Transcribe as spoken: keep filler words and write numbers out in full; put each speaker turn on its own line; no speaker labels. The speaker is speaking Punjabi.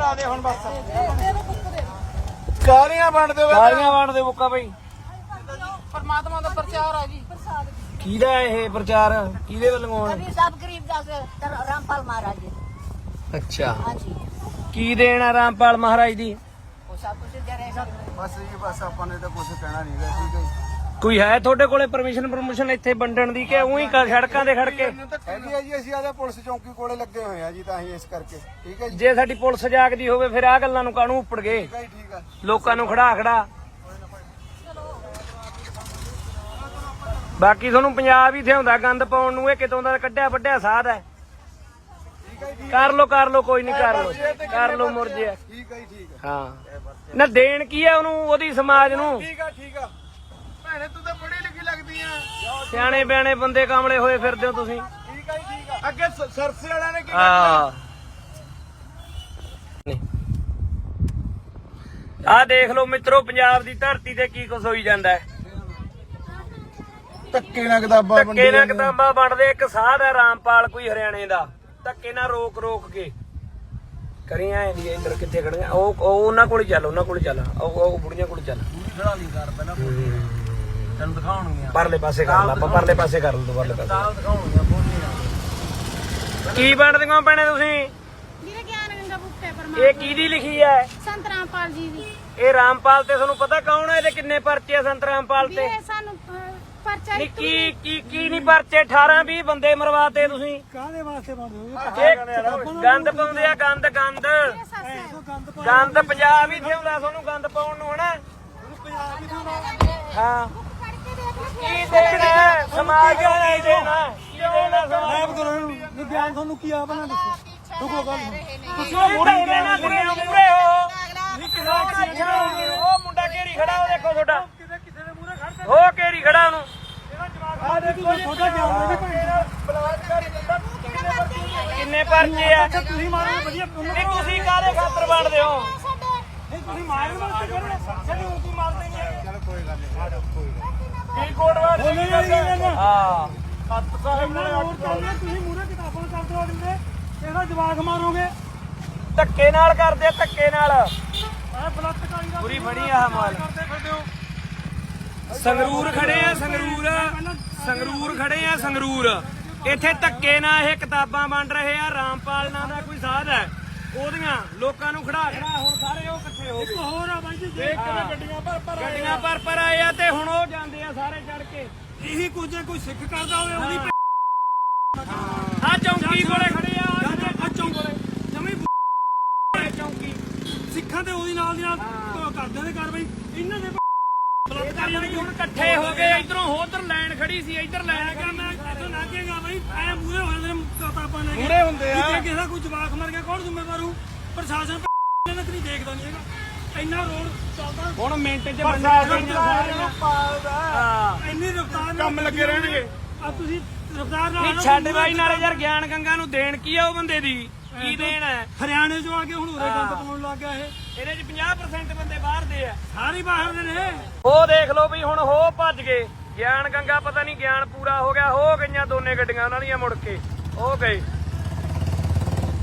ਲਾ ਦੇ ਹੁਣ ਬਸ ਕਾਲੀਆਂ ਵੰਡ ਦਿਓ ਕਾਲੀਆਂ ਵੰਡ ਦਿਓ ਬੁੱਕਾ ਬਈ
ਪਰਮਾਤਮਾ ਦਾ ਪ੍ਰਚਾਰ ਆ ਜੀ
ਕਿਹਦਾ ਇਹ ਪ੍ਰਚਾਰ ਕਿਹਦੇ ਵੱਲੋਂ ਆਉਣ
ਕਬੀਰ ਸਾਹਿਬ ਗਰੀਬ ਦਾਸ ਰਾਮਪਾਲ ਮਹਾਰਾਜ ਜੀ
ਅੱਛਾ
ਹਾਂਜੀ
ਕੀ ਦੇਣ ਆ ਰਾਮਪਾਲ ਮਹਾਰਾਜ ਦੀ
ਉਹ ਸਭ ਕੁਝ ਦੇ ਰਹੇ ਸਭ
ਬਸ ਜੀ ਬਸ ਆਪਾਂ ਨੇ ਤਾਂ ਕੁਝ ਕਹਿਣਾ ਨਹੀਂ ਗਾ ਠੀਕ ਹੈ
ਕੋਈ ਹੈ ਤੁਹਾਡੇ ਕੋਲੇ ਪਰਮਿਸ਼ਨ ਪਰਮਿਸ਼ਨ ਇੱਥੇ ਵੰਡਣ ਦੀ ਕਿ ਉਹੀ ਸੜਕਾਂ ਦੇ ਖੜ ਕੇ
ਹੈਗੀ ਆ ਜੀ ਅਸੀਂ ਆਦਾ ਪੁਲਿਸ ਚੌਂਕੀ ਕੋਲੇ ਲੱਗੇ ਹੋਏ ਆ ਜੀ ਤਾਂ ਅਸੀਂ ਇਸ ਕਰਕੇ ਠੀਕ ਹੈ ਜੀ
ਜੇ ਸਾਡੀ ਪੁਲਿਸ ਜਾਗਦੀ ਹੋਵੇ ਫਿਰ ਆਹ ਗੱਲਾਂ ਨੂੰ ਕਾਹਨੂੰ ਉੱਪੜ ਗਏ
ਠੀਕ ਹੈ ਜੀ, ਠੀਕ ਆ
ਲੋਕਾਂ ਨੂੰ ਖੜਾ ਖੜਾ ਬਾਕੀ ਤੁਹਾਨੂੰ ਪੰਜਾਬ ਹੀ ਥਿਆਉਂਦਾ ਗੰਦ ਪਾਉਣ ਨੂੰ ਇਹ ਕਿਤੋਂ ਦਾ ਕੱਢਿਆ ਵੱਡਿਆ ਸਾਧ ਹੈ ਕਰ ਲੋ ਕਰ ਲੋ ਕੋਈ ਨਹੀਂ ਕਰ ਲੋ ਕਰ ਲੋ ਮੁਰਜੇ
ਠੀਕ ਹੈ ਜੀ, ਠੀਕ ਹੈ
ਹਾਂ ਨਾ ਦੇਣ ਕੀ ਹੈ ਉਹਨੂੰ ਉਹਦੀ ਸਮਾਜ ਨੂੰ
ਠੀਕ ਆ ਠੀਕ ਆ ਭੈਣੇ ਤੂੰ ਤਾਂ ਪੜ੍ਹੀ ਲਿਖੀ ਲੱਗਦੀ ਆ
ਸਿਆਣੇ ਬਿਆਣੇ ਬੰਦੇ ਕਾਮਲੇ ਹੋਏ ਫਿਰਦੇ ਹੋ ਤੁਸੀਂ
ਠੀਕ ਆ ਜੀ, ਠੀਕ ਆ ਅੱਗੇ ਸ- ਸਰਸੇ ਵਾਲਿਆਂ ਨੇ ਕੀ
ਹਾਂ ਆਹ ਦੇਖ ਲਓ ਮਿੱਤਰੋ ਪੰਜਾਬ ਦੀ ਧਰਤੀ ਤੇ ਕੀ ਕੁਛ ਹੋਈ ਜਾਂਦਾ ਹੈ
ਧੱਕੇ ਨਾਲ ਕਿਤਾਬਾਂ
ਧੱਕੇ ਨਾਲ ਕਿਤਾਬਾਂ ਵੰਡਦੇ ਇੱਕ ਸਾਧ ਹੈ ਰਾਮਪਾਲ ਕੋਈ ਹਰਿਆਣੇ ਦਾ ਧੱਕੇ ਨਾਲ ਰੋਕ ਰੋਕ ਕੇ ਕਰੀ ਐ ਦੀ ਇੱਧਰ ਕਿੱਥੇ ਖੜੀਆਂ ਉਹ ਉਹ ਉਹਨਾਂ ਕੋਲ ਚੱਲ ਉਹਨਾਂ ਕੋਲ ਚੱਲ ਉਹ ਉਹ ਬੁੜੀਆਂ ਕੋਲ ਚੱਲ
ਖੜਾ ਨਹੀਂ ਕਰ ਪਹਿਲਾਂ ਤੈਨੂੰ ਦਿਖਾਉਣਗੀਆਂ
ਪਰਲੇ ਪਾਸੇ ਕਰ ਲਾ ਆਪਾਂ ਪਰਲੇ ਪਾਸੇ ਕਰ ਲਓ ਪਰਲੇ ਪਾਸੇ
ਨਾਲ ਦਿਖਾਉਣਗੀਆਂ ਬੋਲੀਆਂ
ਕੀ ਵੰਡਦੇ ਹੋ ਭੈਣੇ ਤੁਸੀਂ
ਵੀਰੇ ਗਿਆਨ ਗੰਗਾ ਬੁੱਕ ਹੈ ਪਰਮਾਤਮਾ
ਇਹ ਕਿਹਦੀ ਲਿਖੀ ਹੈ
ਸੰਤ ਰਾਮਪਾਲ ਜੀ ਦੀ
ਇਹ ਰਾਮਪਾਲ ਤੇ ਤੁਹਾਨੂੰ ਪਤਾ ਕੌਣ ਹੈ ਇਹਦੇ ਕਿੰਨੇ ਪਰਚੇ ਆ ਸੰਤ ਰਾਮਪਾਲ ਤੇ
ਵੀਰੇ ਸਾਨੂੰ ਅਹ, ਪਰਚਾ
ਨੀ ਕੀ ਕੀ ਕੀ ਨਹੀਂ ਪਰਚੇ ਅਠਾਰਾਂ ਵੀਹ ਬੰਦੇ ਮਰਵਾਤੇ ਤੁਸੀਂ
ਕਾਹਦੇ ਵਾਸਤੇ ਬੰਦ ਹੋਏ
ਇਹ ਗੰਦ ਪਾਉਂਦੇ ਆ ਗੰਦ ਗੰਦ ਗੰਦ ਪੰਜਾਬ ਹੀ ਥਿਆਉਂਦਾ ਤੁਹਾਨੂੰ ਗੰਦ ਪਾਉਣ ਨੂੰ ਹਨਾ ਹਾਂ ਕੀ ਦੇਣਾ ਸਮਾਜ ਨੂੰ ਕੀ ਦੇਣਾ ਕੀ ਦੇਣਾ ਸਮਾਜ
ਕਰੋ ਇਹਨੂੰ ਗਿਆਨ ਤੁਹਾਨੂੰ ਕੀ ਆ ਬਣਾ ਦੱਸੋ ਰੁਕੋ ਗੱਲ
ਤੁਸੀਂ ਮੂਰੇ ਨਾ ਮੂਰੇ ਮੂਰੇ ਹੋ ਉਹ ਮੁੰਡਾ ਕਿਹੜੀ ਖੜਾ ਉਹ ਦੇਖੋ ਤੁਹਾਡਾ
ਕਿਸੇ ਦੇ ਮੂਹਰੇ ਖੜਦੇ
ਉਹ ਕਿਹੜੀ ਖੜਾ ਉਹਨੂੰ
ਆ ਦੇਖੋ ਛੋਟਾ ਜਾਮ
ਕਿੰਨੇ ਪਰਚੇ ਆ
ਤੁਸੀਂ ਮਾਰੋ ਵਧੀਆ
ਨਹੀਂ ਤੁਸੀਂ ਕਾਹਦੇ ਖਾਤਰ ਵੰਡਦੇ ਹੋ
ਨਹੀਂ ਤੁਸੀਂ ਮਾਰਨ ਵਾਸਤੇ ਕਰੋ ਸਾਡੇ ਉਲਟੀ ਮਾਰਦੇ ਨਹੀਂ ਚਲ ਕੋਈ ਗੱਲ ਨਹੀਂ ਆ ਜਾ ਕੋਈ ਗੱਲ
ਕੀ ਕੋਡ ਵਾਰ ਹਾਂ
ਸੱਤ ਸਾਹਿਬ ਨੇ ਹੋਰ ਚੱਲਦੇ ਤੁਸੀਂ ਮੂਹਰੇ ਕਿਤਾਬਾਂ ਕਰਦੇ ਹੋ ਦਿੰਦੇ ਇਹਦਾ ਜਵਾਕ ਮਾਰੋਗੇ
ਧੱਕੇ ਨਾਲ ਕਰਦੇ ਆ, ਧੱਕੇ ਨਾਲ
ਆ ਬਲੱਤਕਾਰੀ ਦਾ
ਪੂਰੀ ਫੜੀ ਆ ਮਾਲ
ਕਰਦੇ ਫਿਰਦੇ ਹੋ
ਸੰਗਰੂਰ ਖੜੇ ਆ ਸੰਗਰੂਰ ਸੰਗਰੂਰ ਖੜੇ ਆ ਸੰਗਰੂਰ ਇੱਥੇ ਧੱਕੇ ਨਾਲ ਇਹ ਕਿਤਾਬਾਂ ਵੰਡ ਰਹੇ ਆ ਰਾਮਪਾਲ ਨਾਂ ਦਾ ਕੋਈ ਸਾਧ ਹੈ ਉਹਦੀਆਂ ਲੋਕਾਂ ਨੂੰ ਖੜਾ ਖੜਾ ਹੁਣ ਸਾਰੇ ਉਹ ਇਕੱਠੇ ਹੋ ਗਏ
ਹੋਰ ਆ ਬਾਈ ਜੀ ਦੇਖ ਕਿਵੇਂ ਗੱਡੀਆਂ ਭਰ ਭਰ
ਗੱਡੀਆਂ ਪਰ ਪਰ ਆਏ ਆ ਤੇ ਹੁਣ ਉਹ ਜਾਂਦੇ ਆ ਸਾਰੇ ਚੜ ਕੇ
ਇਹੀ ਕੁਝ ਹੈ ਕੋਈ ਸਿੱਖ ਕਰਦਾ ਹੋਵੇ ਉਹਦੀ
ਆ ਚੌਂਕੀ ਕੋਲੇ ਖੜੇ ਆ
ਆ ਚੌਂਕ ਜਮੀ
ਚੌਂਕੀ
ਸਿੱਖਾਂ ਤੇ ਉਹਦੀ ਨਾਲ ਦੀ ਨਾਲ ਕਰਦੇ ਨੇ ਕਾਰਵਾਈ ਇਹਨਾਂ ਦੇ
ਬਲਾਤਕਾਰੀਆਂ ਨੇ ਹੁਣ ਇਕੱਠੇ ਹੋ ਗਏ ਇਧਰੋਂ ਉਧਰ ਲਾਈਨ ਖੜੀ ਸੀ ਇਧਰ ਲਾਈਨ
ਮੈਂ ਮੈਂ ਇੱਥੋਂ ਲੰਘੇਗਾ ਬਈ ਐ ਮੂਰੇ ਹੋ ਜਾਂਦੇ ਨੇ ਕਿਤਾਬਾਂ ਲੈ ਕੇ
ਮੂਹਰੇ ਹੁੰਦੇ ਆ।
ਜੇ ਕਿਸੇ ਦਾ ਕੋਈ ਜਵਾਕ ਮਰ ਗਿਆ ਕੌਣ ਜ਼ਿੰਮੇਵਾਰ ਹੋਊ ਪ੍ਰਸ਼ਾਸਨ ਇਹਨਾਂ ਤੇ ਨਹੀਂ ਦੇਖਦਾ ਨਹੀਂ ਹੈਗਾ ਇੰਨਾ ਰੋਡ ਚੱਲਦਾ
ਹੁਣ ਮਿੰਟ 'ਚ ਬੰਦਾ ਆ ਗਿਆ ਹਾਂ
ਇੰਨੀ ਰਫ਼ਤਾਰ ਨਾਲ
ਕੰਮ ਲੱਗੇ ਰਹਿਣਗੇ।
ਆ ਤੁਸੀਂ ਰਫ਼ਤਾਰ ਨਾਲ
ਨਹੀਂ ਛੱਡ ਬਾਈ ਨਾਲੇ ਯਾਰ ਗਿਆਨ ਗੰਗਾ ਨੂੰ ਦੇਣ ਕੀ ਆ ਉਹ ਬੰਦੇ ਦੀ ਕੀ ਦੇਣ ਹੈ
ਹਰਿਆਣੇ ਚੋਂ ਆ ਕੇ ਹੁਣ ਉਰੇ ਗੰਦ ਪਾਉਣ ਲੱਗ ਗਿਆ ਇਹ
ਇਹਦੇ 'ਚ ਪੰਜਾਹ ਪ੍ਰਸੈਂਟ ਬੰਦੇ ਬਾਹਰ ਦੇ ਆ
ਸਾਰੇ ਬਾਹਰ ਦੇ ਨੇ
ਉਹ ਦੇਖ ਲਓ ਵੀ ਹੁਣ ਹੋ ਭੱਜ ਗਏ ਗਿਆਨ ਗੰਗਾ ਪਤਾ ਨਹੀਂ ਗਿਆਨ ਪੂਰਾ ਹੋ ਗਿਆ ਹੋ ਗਈਆਂ ਦੋਨੇ ਗੱਡੀਆਂ ਉਹਨਾਂ ਦੀਆਂ ਮੁੜ ਕੇ ਹੋ ਗਏ